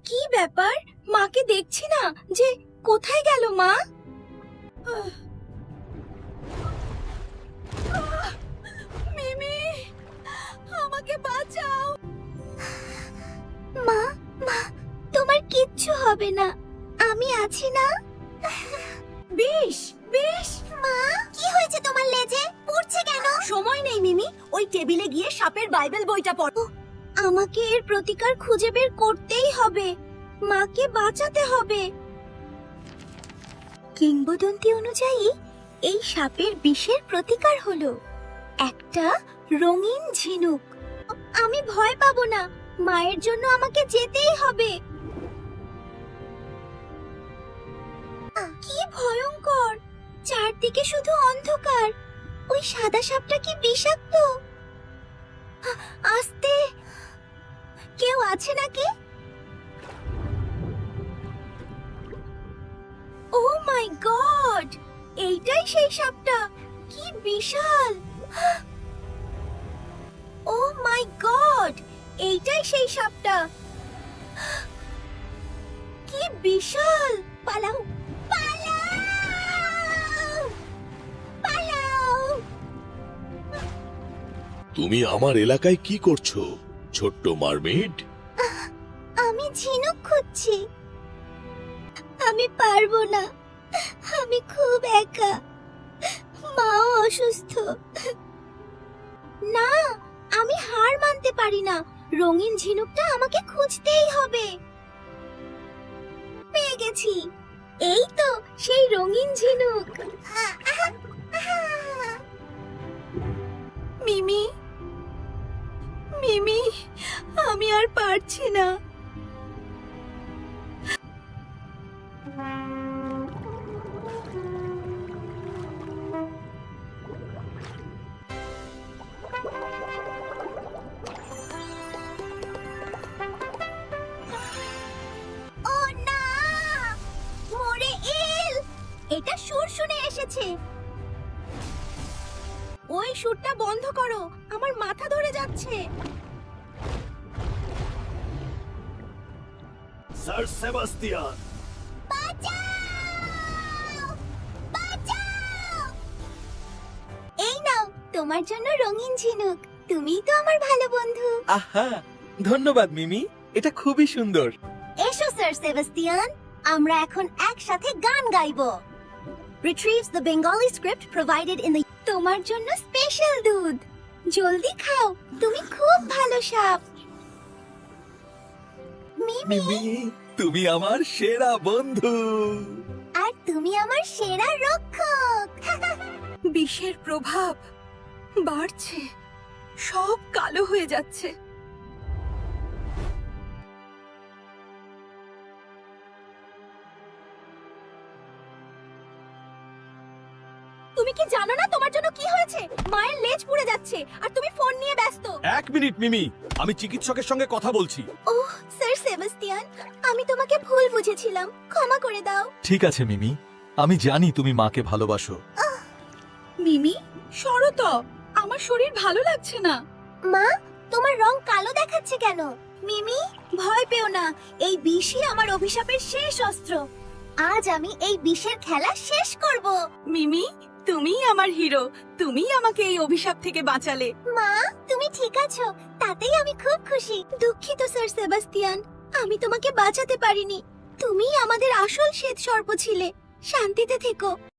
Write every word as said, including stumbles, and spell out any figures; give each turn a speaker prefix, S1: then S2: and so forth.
S1: কি ব্যাপার? মাকে দেখছি না যে, কোথায় গেল মা? মিমি, আমাকে বাঁচাও। মা, মা, তোমার কিচ্ছু হবে না, আমি আছি না। বেশ বেশ। মা, কি হয়েছে তোমার লেজে? পুড়ছে কেন? সময় নেই মিমি, ওই টেবিলে গিয়ে সাপের বাইবেল বইটা পড়ো। আমাকে এর প্রতিকার খুঁজে বের করতেই হবে, মাকে বাঁচাতে হবে। কিংবদন্তি অনুযায়ী এই সাপের বিষের প্রতিকার হলো একটা রঙিন ঝিনুক। আমি ভয় পাবো না, মায়ের জন্য আমাকে যেতেই হবে। কি ভয়ঙ্কর, চারদিকে শুধু অন্ধকার। ওই সাদা সাপটা কি বিষাক্ত? আস্তে, কেউ আছে নাকি? ও মাই গড, এইটাই সেই সাপটা। কি বিশাল! ও মাই গড, এইটাই সেই সাপটা। কি বিশাল! পালাও, পালাও, পালাও!
S2: তুমি আমার এলাকায় কি করছো, ছোট্ট মারমেড?
S1: আমি ঝিনুক খুঁজছি। আমি পারবো না, আমি খুব একা, মাও অসুস্থ। না, আমি হার মানতে পারি না, রঙিন ঝিনুকটা আমাকে খুঁজতেই হবে। পেয়ে গেছি, এই তো সেই রঙিন ঝিনুক। মিমি, মিমি, আমি আর পারছি না। ও না, মরে এল! এটা সুর শুনে এসেছে। ওই সুরটা বন্ধ করো, আমার মাথা ধরে যাচ্ছে।
S2: স্যার সেবাস্টিয়ান,
S1: বাঁচাও! বাঁচাও! এই নাও তোমার জন্য রঙিন ঝিনুক, তুমিই তো আমার ভালো বন্ধু।
S3: আহা, ধন্যবাদ মিমি, এটা খুবই সুন্দর।
S1: এসো স্যার সেবাস্টিয়ান, আমরা এখন একসাথে গান গাইবো। Retrieves the Bengali script provided in the তোমার জন্য স্পেশাল দুধ, জলদি খাও, তুমি খুব ভালো সাপ। মিমি,
S3: মিমি, তুমি আমার সেরা বন্ধু।
S1: আর তুমি আমার সেরা রক্ষক।
S4: বিষের প্রভাব বাড়ছে, সব কালো হয়ে যাচ্ছে।
S1: তুমি কি জানো না তোমার জন্য কি হয়েছে? মায়ের লেজ পুড়ে যাচ্ছে আর তুমি ফোন নিয়ে ব্যস্ত।
S3: এক মিনিট মিমি, আমি চিকিৎসকের সঙ্গে কথা বলছি।
S1: ওহ স্যার সেবাস্টিয়ান, আমি তোমাকে ভুল বুঝেছিলাম, ক্ষমা করে দাও।
S3: ঠিক আছে মিমি, আমি জানি তুমি মাকে ভালোবাসো।
S4: মিমি, সরো তো, আমার শরীর ভালো লাগছে না।
S1: মা, তোমার রং কালো দেখাচ্ছে কেন? মিমি, ভয় পেও না, এই বিষই আমার অভিশাপের শেষ অস্ত্র। আজ আমি এই বিষের খেলা শেষ করব।
S4: মিমি, তুমিই আমার হিরো, তুমিই আমাকে এই অভিশাপ থেকে বাঁচালে।
S1: মা, তুমি ঠিক আছো, তাতেই আমি খুব খুশি। দুঃখিত স্যার সেবাস্টিয়ান, আমি তোমাকে বাঁচাতে পারিনি। তুমিই আমাদের আসল শ্বেত সর্প ছিলে। শান্তিতে থেকো।